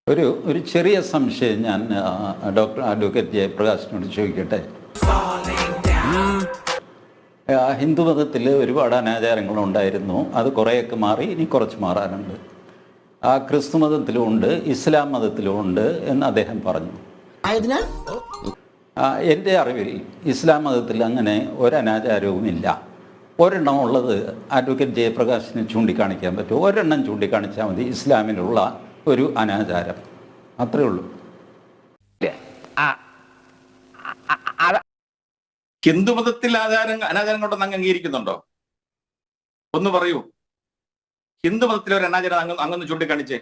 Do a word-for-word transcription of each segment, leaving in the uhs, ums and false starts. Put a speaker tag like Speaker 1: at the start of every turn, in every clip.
Speaker 1: ഒരു ഒരു ചെറിയ സംശയം ഞാൻ ഡോക്ടർ അഡ്വക്കേറ്റ് ജയപ്രകാശിനോട് ചോദിക്കട്ടെ. ഹിന്ദു മതത്തിൽ ഒരുപാട് അനാചാരങ്ങളുണ്ടായിരുന്നു, അത് കുറേയൊക്കെ മാറി, ഇനി കുറച്ച് മാറാനുണ്ട്. ആ ക്രിസ്തു മതത്തിലും ഉണ്ട്, ഇസ്ലാം മതത്തിലും ഉണ്ട് എന്ന് അദ്ദേഹം പറഞ്ഞു. എൻ്റെ അറിവിൽ ഇസ്ലാം മതത്തിൽ അങ്ങനെ ഒരനാചാരവുമില്ല. ഒരെണ്ണം ഉള്ളത് അഡ്വക്കേറ്റ് ജയപ്രകാശിന് ചൂണ്ടിക്കാണിക്കാൻ പറ്റും. ഒരെണ്ണം ചൂണ്ടിക്കാണിച്ചാൽ മതി ഇസ്ലാമിലുള്ള ഒരു അനാചാരം, അത്രേ ഉള്ളൂ.
Speaker 2: ഹിന്ദു മതത്തിൽ ആചാരം അനാചാരം കൊണ്ടൊന്ന് അങ്ങ് അംഗീകരിക്കുന്നുണ്ടോ? ഒന്ന് പറയൂ. ഹിന്ദു മതത്തിലെ ഒരു അനാചാരം അങ്ങ് അങ്ങൊന്ന് ചൂണ്ടിക്കാണിച്ചേ.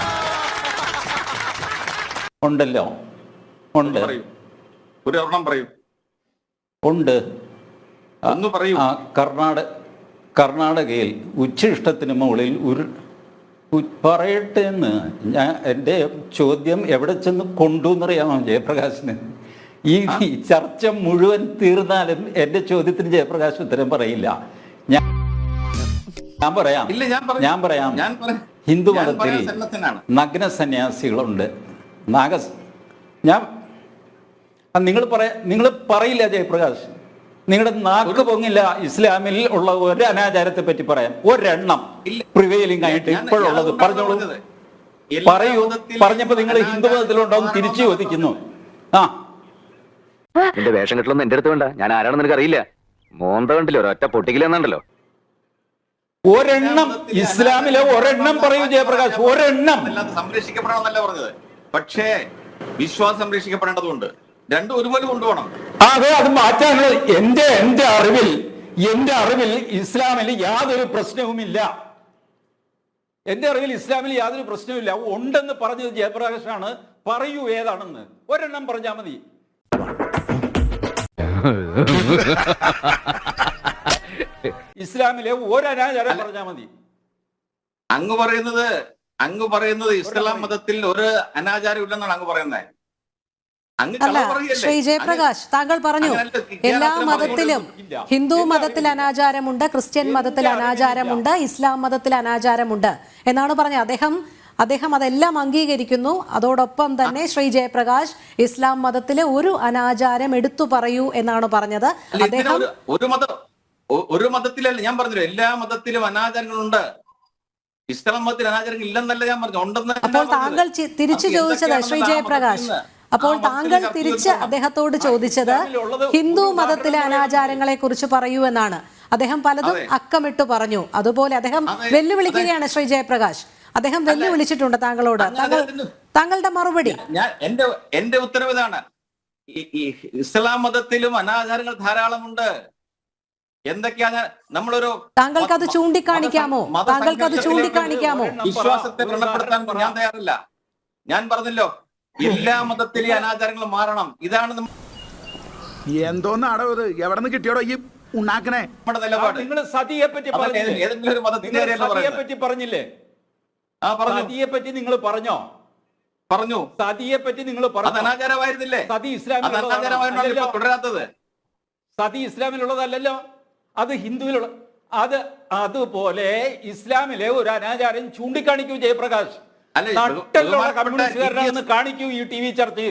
Speaker 1: ഉണ്ടല്ലോ, ഉണ്ട്.
Speaker 2: പറയൂ, ഒരു ഒരെണ്ണം പറയൂ.
Speaker 1: ഉണ്ട്.
Speaker 2: ഒന്ന് പറയൂ.
Speaker 1: കർണാടക കർണാടകയിൽ ഉച്ഛിഷ്ടത്തിന് മുകളിൽ ഒരു പറയട്ടെ എന്ന് ഞാൻ എൻ്റെ ചോദ്യം എവിടെ ചെന്ന് കൊണ്ടു എന്നറിയാമോ ജയപ്രകാശിന്? ഈ ചർച്ച മുഴുവൻ തീർന്നാലും എൻ്റെ ചോദ്യത്തിന് ജയപ്രകാശ് ഉത്തരം പറയില്ല. ഞാൻ ഞാൻ പറയാം ഞാൻ പറയാം ഹിന്ദു മതത്തിൽ നഗ്ന സന്യാസികളുണ്ട്. നാഗ ഞാൻ നിങ്ങൾ പറയാ നിങ്ങൾ പറയില്ല ജയപ്രകാശ്, നിങ്ങളുടെ നാക്ക് പൊങ്ങില്ല ഇസ്ലാമിൽ ഉള്ള ഒരു അനാചാരത്തെ പറ്റി പറയാൻ. ഒരെണ്ണം പ്രിവെയിലിംഗ് ആയിട്ട് ഇപ്പോഴുള്ളത് പറഞ്ഞോളൂ. പറയൂ. പറഞ്ഞപ്പോ നിങ്ങൾ ഹിന്ദു മതത്തിലുണ്ടാവും തിരിച്ചു ചോദിക്കുന്നു. ആ
Speaker 3: നിന്റെ വേഷം കെട്ടലൊന്നും എന്റെ അടുത്ത് വേണ്ട. ഞാൻ ആരാണെന്ന് നിനക്ക് അറിയില്ല. മോന്ത കണ്ടില്ലോ, ഒരൊറ്റ പൊട്ടിക്കില്ലെന്നുണ്ടല്ലോ.
Speaker 1: ഒരെണ്ണം ഇസ്ലാമിലെ ഒരെണ്ണം പറയൂ ജയപ്രകാശ്, ഒരെണ്ണം.
Speaker 2: സംരക്ഷിക്കപ്പെടണമെന്നല്ല പറഞ്ഞത്, പക്ഷേ വിശ്വാസം സംരക്ഷിക്കപ്പെടേണ്ടതുണ്ട്. രണ്ടും ഒരുപോലെ കൊണ്ടുപോകണം.
Speaker 1: അതെ, അത് മാറ്റാനുള്ള എന്റെ എന്റെ അറിവിൽ എന്റെ അറിവിൽ ഇസ്ലാമിൽ യാതൊരു പ്രശ്നവുമില്ല. എന്റെ അറിവിൽ ഇസ്ലാമിൽ യാതൊരു പ്രശ്നവുമില്ല. ഉണ്ടെന്ന് പറഞ്ഞത് ജയപ്രകാശാണ്. പറയൂ ഏതാണെന്ന്. ഒരെണ്ണം പറഞ്ഞാൽ മതി. ഇസ്ലാമിലെ ഒരനാചാരം പറഞ്ഞാൽ മതി.
Speaker 2: അങ്ങ് പറയുന്നത് അങ്ങ് പറയുന്നത് ഇസ്ലാം മതത്തിൽ ഒരു അനാചാരം ഇല്ലെന്നാണ് അങ്ങ് പറയുന്നത്.
Speaker 4: അല്ല ശ്രീ ജയപ്രകാശ്, താങ്കൾ പറഞ്ഞു എല്ലാ മതത്തിലും ഹിന്ദു മതത്തിൽ അനാചാരമുണ്ട്, ക്രിസ്ത്യൻ മതത്തിൽ അനാചാരമുണ്ട്, ഇസ്ലാം മതത്തിൽ അനാചാരമുണ്ട് എന്നാണ് പറഞ്ഞത്. അദ്ദേഹം അദ്ദേഹം അതെല്ലാം അംഗീകരിക്കുന്നു. അതോടൊപ്പം തന്നെ ശ്രീ ജയപ്രകാശ് ഇസ്ലാം മതത്തിലെ ഒരു അനാചാരം എടുത്തു പറയൂ എന്നാണ് പറഞ്ഞത്. അദ്ദേഹം
Speaker 2: ഒരു മതം ഒരു മതത്തിലല്ല, ഞാൻ പറഞ്ഞല്ലോ എല്ലാ മതത്തിലും അനാചാരങ്ങളുണ്ട്. ഇസ്ലാം മതത്തിൽ അനാചാരങ്ങൾ ഇല്ലെന്നല്ല ഞാൻ പറഞ്ഞു, ഉണ്ടെന്ന്.
Speaker 4: അപ്പോൾ താങ്കൾ തിരിച്ചു ചോദിച്ചത് ശ്രീ ജയപ്രകാശ് അപ്പോൾ താങ്കൾ തിരിച്ച് അദ്ദേഹത്തോട് ചോദിച്ചത് ഹിന്ദു മതത്തിലെ അനാചാരങ്ങളെ കുറിച്ച് പറയൂ എന്നാണ്. അദ്ദേഹം പലതും അക്കമിട്ട് പറഞ്ഞു. അതുപോലെ അദ്ദേഹം വെല്ലുവിളിക്കുകയാണ് ശ്രീ ജയപ്രകാശ്. അദ്ദേഹം വെല്ലുവിളിച്ചിട്ടുണ്ട് താങ്കളോട്. താങ്കൾ താങ്കളുടെ മറുപടി.
Speaker 2: ഞാൻ എന്റെ എന്റെ ഉത്തരവ് ഇതാണ്. ഇസ്ലാം മതത്തിലും അനാചാരങ്ങൾ ധാരാളമുണ്ട്. എന്തൊക്കെയാ നമ്മളൊരു
Speaker 4: താങ്കൾക്ക് അത് ചൂണ്ടിക്കാണിക്കാമോ? താങ്കൾക്ക് അത് ചൂണ്ടിക്കാണിക്കാമോ?
Speaker 2: വിശ്വാസത്തെ വ്രണപ്പെടുത്താൻ ഞാൻ തയ്യാറില്ല. ഞാൻ പറഞ്ഞല്ലോ, എല്ലാ മതത്തിലെ അനാചാരങ്ങളും മാറണം. ഇതാണ്
Speaker 5: എന്തോന്നാടോ ഇത്? എവിടെ നിന്ന് കിട്ടിയോടോ ഈ ഉണ്ടാക്കണേ?
Speaker 2: നമ്മുടെ നിലപാട്.
Speaker 1: നിങ്ങൾ സതിയെ പറ്റി
Speaker 2: ഏതെങ്കിലും ഒരു മതത്തിനെ
Speaker 1: പറ്റി പറഞ്ഞില്ലേ?
Speaker 2: ആ പറഞ്ഞു.
Speaker 1: സതിയെ പറ്റി നിങ്ങൾ പറഞ്ഞോ?
Speaker 2: പറഞ്ഞു.
Speaker 1: സതിയെ പറ്റി നിങ്ങൾ പറഞ്ഞു.
Speaker 2: അനാചാരമായിരുന്നില്ലേ?
Speaker 1: സതി ഇസ്ലാമിൽ
Speaker 2: തുടരാത്തത്.
Speaker 1: സതി ഇസ്ലാമിലുള്ളതല്ലല്ലോ, അത് ഹിന്ദുവിലുള്ള. അത് അതുപോലെ ഇസ്ലാമിലെ ഒരു അനാചാരം ചൂണ്ടിക്കാണിക്കൂ ജയപ്രകാശ്. നട്ടലുള്ള കമ്മ്യൂണിസ്റ്റുകാരനാണെന്ന് കാണിക്കൂ ഈ ടി വി ചർച്ചയിൽ.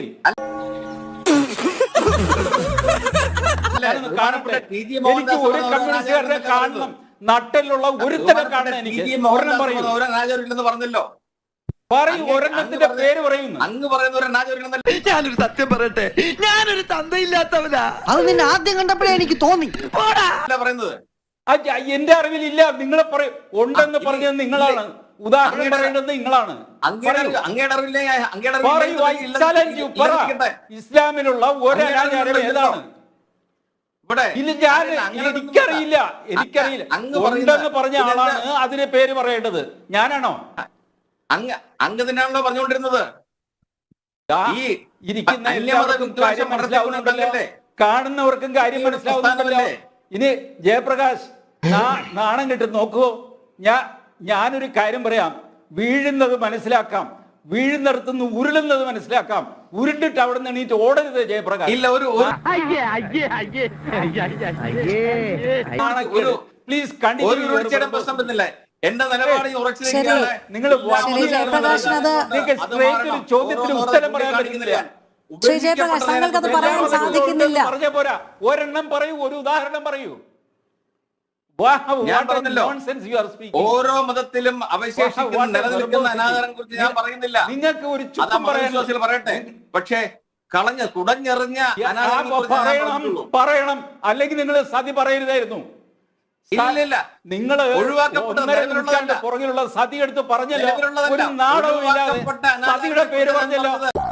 Speaker 1: എനിക്ക് ഒരു കമ്മ്യൂണിസ്റ്റുകാരനെ കാണണം, നട്ടലുള്ള ഒരുത്തനെ കാണണം. എനിക്ക് ഒരെണ്ണം പറയൂ.
Speaker 2: പറഞ്ഞല്ലോ,
Speaker 1: പറയൂ, ഒരെണ്ണത്തിന്റെ പേര് പറയുന്നു.
Speaker 2: അങ്ങ് പറയുന്ന ഒരു അനാചാരം.
Speaker 5: ഞാനൊരു സത്യം പറയട്ടെ, ഞാനൊരു തന്തയില്ലാത്തവനാ.
Speaker 6: അത് നിന്നെ ആദ്യം കണ്ടപ്പോഴേ എനിക്ക് തോന്നി.
Speaker 2: പറയുന്നത്
Speaker 1: എന്റെ അറിവിലില്ല. നിങ്ങളെ പറയും ഉണ്ടെന്ന് പറഞ്ഞത് നിങ്ങളാണ്. ഉദാഹരണം പറയേണ്ടത് നിങ്ങളാണ്. ഇസ്ലാമിലുള്ള ഒരു അനാചാരം ഏതാണ്? ഇല്ല, ഞാൻ എനിക്കറിയില്ല എനിക്കറിയില്ല ഉണ്ടെന്ന് പറഞ്ഞ ആളാണ് അതിനെ പേര് പറയേണ്ടത്. ഞാനാണോ?
Speaker 2: അങ്ങ് അങ്ങ് തന്നെയാണല്ലോ പറഞ്ഞുകൊണ്ടിരുന്നത്.
Speaker 1: ഈ ഇരിക്കുന്ന എല്ലാവർക്കും കാര്യം മനസ്സിലാവുന്നുണ്ടല്ലോ, കാണുന്നവർക്കും കാര്യം മനസ്സിലാവുന്നുണ്ടല്ലോ. ഇനി ജയപ്രകാശ് നാണം കിട്ടും നോക്കുവോ? ഞാൻ ഞാനൊരു കാര്യം പറയാം. വീഴുന്നത് മനസ്സിലാക്കാം, വീഴുന്നിടത്തുനിന്ന് ഉരുളുന്നത് മനസ്സിലാക്കാം. ഉരുണ്ടിട്ട് അവിടെ നിന്ന് എണീറ്റ് ഓടരുത് ജയപ്രകാശ്.
Speaker 2: ഇല്ല, ഒരു
Speaker 1: പ്ലീസ് കണ്ടിന്യൂ.
Speaker 2: പ്രശ്നം വരുന്നില്ലേ? എന്റെ നിലപാട് ഞാൻ ഉറച്ചു
Speaker 4: ശരി.
Speaker 2: നിൽക്കുകയാണ്.
Speaker 1: നിങ്ങൾ
Speaker 4: ശരി, ജയപ്രകാശിന് അത്
Speaker 1: നിങ്ങൾക്ക് straight ഒരു ചോദ്യത്തിന് ഉത്തരം പറയാൻ പറ്റുന്നില്ല.
Speaker 4: ശ്രീ ജയപ്രകാശ്, താങ്കൾക്ക് അത് പറയാൻ സാധിക്കുന്നില്ല.
Speaker 1: പറഞ്ഞ പോരാ, ഒരെണ്ണം പറയൂ, ഒരു ഉദാഹരണം പറയൂ. Wow,
Speaker 2: ഞാൻ
Speaker 1: what a
Speaker 2: പറഞ്ഞല്ലോ,
Speaker 1: nonsense you are speaking.
Speaker 2: ഓരോ മതത്തിലും അവശേഷിക്കുന്ന
Speaker 1: What a
Speaker 2: നിലനിൽക്കുന്ന
Speaker 1: verbosity.
Speaker 2: അനാദാരം കുറിച്ച് ഞാൻ പറയുന്നില്ല.
Speaker 1: നിങ്ങൾക്ക് ഒരു
Speaker 2: അത്
Speaker 1: ചുക്കും പറയാൻ
Speaker 2: മതവിശ്വാസികൾ പറയട്ടെ. പക്ഷേ കളഞ്ഞ കുടഞ്ഞെറിഞ്ഞ അനാദാരം കുറിച്ച് ഞാൻ
Speaker 1: പറയണം
Speaker 2: പറഞ്ഞിട്ടുള്ളൂ.
Speaker 1: പറയണം അല്ലെങ്കിൽ നിങ്ങൾ സതി പറയരുതായിരുന്നു.
Speaker 2: ഇല്ലില്ല.
Speaker 1: നിങ്ങൾ
Speaker 2: ഒഴിവാക്കപ്പെട്ട
Speaker 1: ഒന്നര
Speaker 2: നിലവിലുള്ളതല്ല.
Speaker 1: നൂറ്റാണ്ട് പുറകിലുള്ള സതി എടുത്ത് പറഞ്ഞല്ലോ,
Speaker 2: നിലവിലുള്ളതല്ല.
Speaker 1: ഒരു നാടകവും ഇല്ലാതെ
Speaker 2: ഒഴിവാക്കപ്പെട്ട അനാദാരം
Speaker 1: സതിയുടെ പേര് പറഞ്ഞല്ലോ.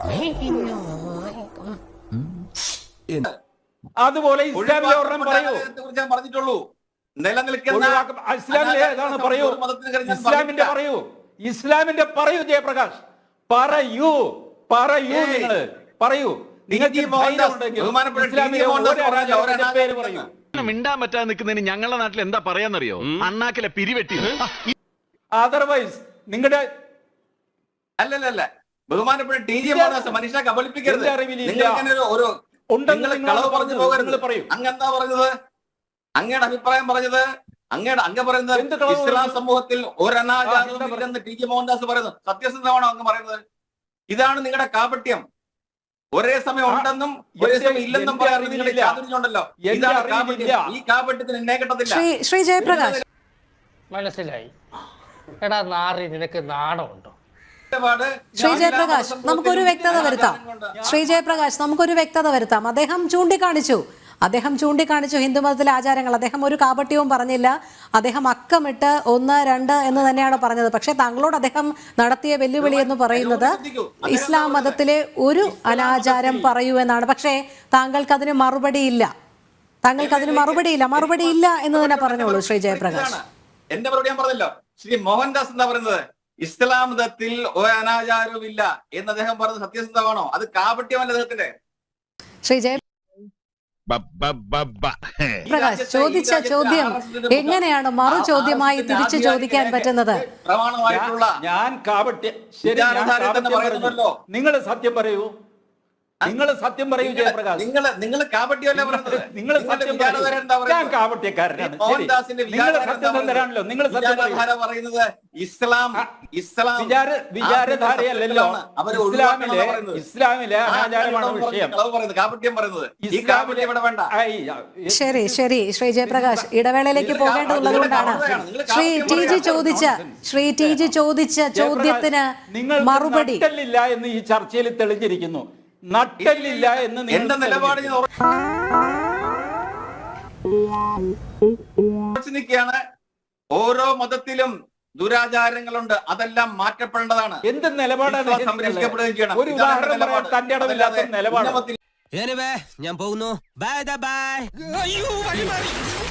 Speaker 1: അതുപോലെ ഇസ്ലാമിലെ ഒരെണ്ണം പറയൂ.
Speaker 2: കുറിച്ച് ഞാൻ പറഞ്ഞിട്ടുള്ളൂ. നിലനിൽക്കുന്ന
Speaker 1: ഒഴിവാക്ക- ഇസ്ലാമിലെ ഏതാണ് പറയൂ, ഇസ്ലാമിന്റെ പറയൂ, ഇസ്ലാമിന്റെ പറയൂ ജയപ്രകാശ്, പറയൂ പറയൂ
Speaker 2: ഏയ്.
Speaker 1: നിങ്ങൾ പറയൂ. നിങ്ങൾക്ക്
Speaker 2: ടി. മോഹൻദാസ്,
Speaker 1: ധൈര്യമുണ്ടെങ്കിൽ
Speaker 2: ബഹുമാനപ്പെട്ട ടി.
Speaker 1: ഇസ്ലാമിലെ
Speaker 2: മോഹൻദാസ്
Speaker 1: ഒരു
Speaker 2: പറഞ്ഞല്ലോ, ഒരു
Speaker 1: അനാചാരത്തിന്റെ പേര് പറയൂ.
Speaker 7: മിണ്ടാൻ പറ്റാതെ നിൽക്കുന്നതിന് ഞങ്ങളുടെ നാട്ടിൽ എന്താ പറയാന്നറിയോ? അണ്ണാക്കിലെ പിരിവെട്ടി.
Speaker 1: അതർവൈസ് നിങ്ങളുടെ
Speaker 2: അല്ലല്ല ബഹുമാനപ്പെട്ട ടി. ജി. മോഹൻദാസ് മനുഷ്യനെ കബളിപ്പിക്കരുത്.
Speaker 1: എന്റെ അറിവിലില്ല.
Speaker 2: നിങ്ങൾ ഇങ്ങനെ ഒരു- ഒരു
Speaker 1: ഉണ്ടെന്ന്
Speaker 2: നിങ്ങൾ
Speaker 1: നിങ്ങൾ
Speaker 2: കളവ് പറഞ്ഞു പോകരുത്.
Speaker 1: നിങ്ങൾ പറയൂ.
Speaker 2: അങ്ങെന്താ പറഞ്ഞത്? അങ്ങയുടെ അഭിപ്രായം പറഞ്ഞത് അങ്ങയുടെ അങ്ങ് പറയുന്നത്
Speaker 1: എന്ത് കളവ്
Speaker 2: ഇസ്ലാം
Speaker 1: പറഞ്ഞു?
Speaker 2: സമൂഹത്തിൽ ഒരു
Speaker 1: ആ,
Speaker 2: അനാചാരവും
Speaker 1: എന്താ
Speaker 2: ഇല്ലെന്ന് ടി. ജി. മോഹൻദാസ് പറയുന്നത് സത്യസന്ധമാണോ അങ്ങ് പറയുന്നത്? ഇതാണ് നിങ്ങളുടെ കാപട്യം. ഒരേ സമയം ഉണ്ടെന്നും ഒരേ
Speaker 1: എന്റെ-
Speaker 2: സമയം ഇല്ലെന്നും
Speaker 1: എന്റെ
Speaker 2: പറയാൻ നിങ്ങളുടെ
Speaker 1: അറിവിലില്ല.
Speaker 2: ചാതുര്യമുണ്ടല്ലോ.
Speaker 1: എന്റെ
Speaker 2: ഇതാണ്
Speaker 1: അറിവിലില്ല.
Speaker 2: കാപട്യം. ഈ കാപട്യത്തിന് എന്നെ കിട്ടത്തില്ല.
Speaker 4: ശ്രീ ശ്രീ ജയപ്രകാശ്,
Speaker 8: മനസ്സിലായി. എടാ നാറി, നിനക്ക് നാണമുണ്ടോ?
Speaker 2: നിലപാട്
Speaker 4: ശ്രീ
Speaker 2: ഞാൻ
Speaker 4: ജയപ്രകാശ്,
Speaker 2: എല്ലാ
Speaker 4: നമുക്കൊരു വ്യക്തത വരുത്താം. ശ്രീ ജയപ്രകാശ്, നമുക്കൊരു വ്യക്തത വരുത്താം. അദ്ദേഹം ചൂണ്ടിക്കാണിച്ചു അദ്ദേഹം ചൂണ്ടിക്കാണിച്ചു ഹിന്ദുമതത്തിലെ ആചാരങ്ങൾ. അദ്ദേഹം ഒരു കാപട്യവും പറഞ്ഞില്ല. അദ്ദേഹം അക്കമിട്ട് ഒന്ന് രണ്ട് എന്ന് തന്നെയാണ് പറഞ്ഞത്. പക്ഷേ താങ്കളോട് അദ്ദേഹം നടത്തിയ വെല്ലുവിളി എന്ന് പറയുന്നത് ഇസ്ലാം മതത്തിലെ ഒരു അനാചാരം പറയൂ എന്നാണ്. പക്ഷേ താങ്കൾക്ക് അതിന് മറുപടിയില്ല. താങ്കൾക്ക് അതിന് മറുപടിയില്ല മറുപടിയില്ല എന്ന് തന്നെ പറഞ്ഞോളൂ ശ്രീ ജയപ്രകാശ്.
Speaker 2: എന്റെ മറുപടി ഞാൻ പറഞ്ഞല്ലോ. ശ്രീ മോഹൻദാസ് എന്താ പറയുന്നത്? ഇസ്ലാം മതത്തിൽ ഒരു അനാചാരവും ഇല്ല എന്ന് അദ്ദേഹം പറഞ്ഞത് സത്യസന്ധമാണോ? അത് കാപട്യമല്ല അദ്ദേഹത്തിന്റെ.
Speaker 4: ശ്രീ ജയ പ്രകാശ് ചോദിച്ച ചോദ്യം എങ്ങനെയാണ് മറു ചോദ്യമായി തിരിച്ചു ചോദിക്കാൻ പറ്റുന്നത്?
Speaker 2: പ്രമാണമായിട്ടുള്ള
Speaker 1: ഞാൻ കാപട്യ ശരി, ഞാൻ
Speaker 2: വിചാരധാരയിൽ തന്നെ
Speaker 1: കാപട്യം
Speaker 2: പറയുന്നുണ്ടല്ലോ.
Speaker 1: പറഞ്ഞു. നിങ്ങൾ സത്യം പറയൂ, നിങ്ങൾ സത്യം പറയൂ ജയപ്രകാശ്.
Speaker 2: നിങ്ങൾ നിങ്ങൾ കാപട്യമല്ലേ പറയുന്നത്?
Speaker 1: നിങ്ങൾ സത്യം
Speaker 2: വിചാരധാര
Speaker 1: പറയൂ.
Speaker 2: എന്താ
Speaker 1: ഞാൻ
Speaker 2: പറയുന്നത്?
Speaker 1: കാപട്യക്കാരനാണ്. ശരി.
Speaker 2: മോഹൻദാസിന്റെ
Speaker 1: നിങ്ങൾ
Speaker 2: വിചാരധാര എന്താ
Speaker 1: സത്യസന്ധരാണല്ലോ, നിങ്ങൾ
Speaker 2: പറയുന്നത്?
Speaker 1: സത്യം പറയൂ.
Speaker 2: വിചാരധാര പറയുന്നത് ഇസ്ലാം ഇസ്ലാം
Speaker 1: വിചാര വിചാരധാരയല്ലല്ലോ
Speaker 2: അവരെ
Speaker 1: ഇസ്ലാമിലെ
Speaker 2: പറയുന്നത്.
Speaker 1: ഇസ്ലാമിലെ അനാചാരമാണ് വിഷയം.
Speaker 2: കളവ് പറയുന്നത്, കാപട്യം പറയുന്നത്. ഈ
Speaker 1: ഇസ്ലാമിലെ
Speaker 2: കാപട്യം ഇവിടെ വേണ്ട.
Speaker 1: ഐ,
Speaker 4: ശരി ശരി ശ്രീ ജയപ്രകാശ്, ഇടവേളയിലേക്ക് പോകേണ്ടതുള്ളത് കൊണ്ടാണ് ശ്രീ ടി ജി ചോദിച്ച ശ്രീ ടി ജി ചോദിച്ച ചോദ്യത്തിന്
Speaker 1: നിങ്ങൾ
Speaker 4: മറുപടി
Speaker 1: നട്ടല്ലില്ല എന്ന് ഈ ചർച്ചയിൽ തെളിഞ്ഞിരിക്കുന്നു. നട്ടല്ലില്ല എന്ന് നിങ്ങൾ
Speaker 2: എന്റെ നിലപാട് ഞാൻ ഉറച്ചു നിൽക്കുകയാണ്. ഓരോ മതത്തിലും ദുരാചാരങ്ങളുണ്ട്, അതെല്ലാം മാറ്റപ്പെടേണ്ടതാണ്.
Speaker 1: എന്ത് നിലപാടാണ്
Speaker 2: വിശ്വാസം സംരക്ഷിക്കപ്പെടുകയും ചെയ്യണം.
Speaker 1: ഒരു
Speaker 2: ഇതാണ്
Speaker 1: ഉദാഹരണം പറയാൻ
Speaker 2: നിലപാട്.
Speaker 1: തന്റെ ഇടമില്ലാത്ത
Speaker 2: അല്ലാതെ
Speaker 1: നിലപാട്.
Speaker 2: ഉന്നമത്തിൽ
Speaker 5: ഞാൻ പോകുന്നു. Bye by.